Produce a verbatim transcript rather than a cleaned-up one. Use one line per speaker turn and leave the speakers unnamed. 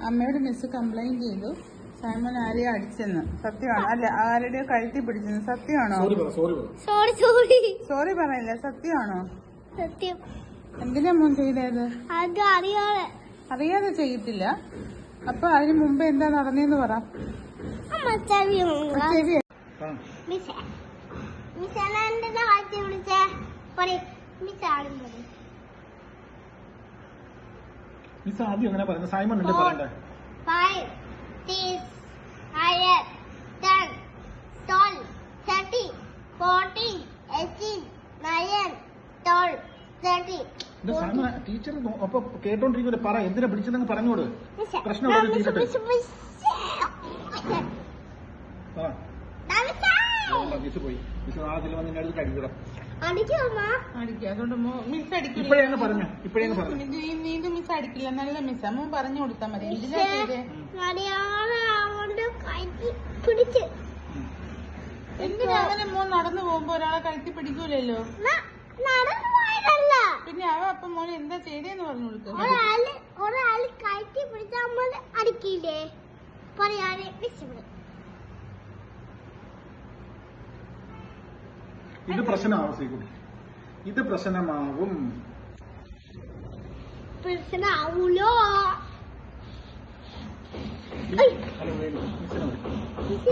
അമ്മയോട് miss complaint ചെയ്തു Simon ആരെയോ അടിച്ചെന്ന്. സത്യമാണോ? അല്ല, ആരുടെയോ കഴുത്തി പിടിച്ചെന്ന്. സത്യമാണോ?
സോറി സോറി
സോറി പറയില്ല. സത്യമാണോ?
സത്യം.
എന്തിനാ മോൻ ചെയ്തത്?
അത് അറിയാതെ
അറിയാതെ ചെയ്യത്തില്ല. അപ്പൊ അതിന് മുമ്പ് എന്താ നടന്നേന്ന് പറ. ചെവി
മിസ് ആദ്യം അങ്ങനെ പറയുന്നത് സൈമൺ അല്ലേ പറയണ്ടേ? ടീച്ചർ അപ്പൊ കേട്ടോണ്ടിരിക്കുന്നത് പറ, എന്തിനാ വിളിച്ചതെന്ന് പറഞ്ഞോട്. പ്രശ്നം തീരട്ടെ. മിസ് പോയി. മിസ് നാളെ ചെല്ലുമ്പോൾ നിന്നെ അടുത്ത് അടിക്കണം.
അതുകൊണ്ട് മിസ് അടിക്കില്ല.
ഇപ്പഴേന്ന് പറഞ്ഞു ഇപ്പഴേന്ന് പറഞ്ഞു
നീന്തും മിസ് അടിക്കില്ല. നല്ല മിസ്സാ. മോൻ പറഞ്ഞു കൊടുത്താൽ മതി. എന്തിനാ ചെയ്തേ? എന്തിനാ അങ്ങനെ മോൻ നടന്നു പോകുമ്പോ ഒരാളെ കഴുത്തി പിടിക്കൂലല്ലോ. പിന്നെ അവ അപ്പൊ മോനെ എന്താ ചെയ്തേന്ന് പറഞ്ഞു കൊടുക്കുക.
ഒരാള് കയറ്റി പിടിച്ചാൽ നമ്മൾ അടിക്കില്ലേ പറയാതെ
ഇത് പ്രശ്നമാവും ശ്രീകുട്ടി. ഇത് പ്രശ്നമാവും.
പ്രശ്നമാവൂലോ?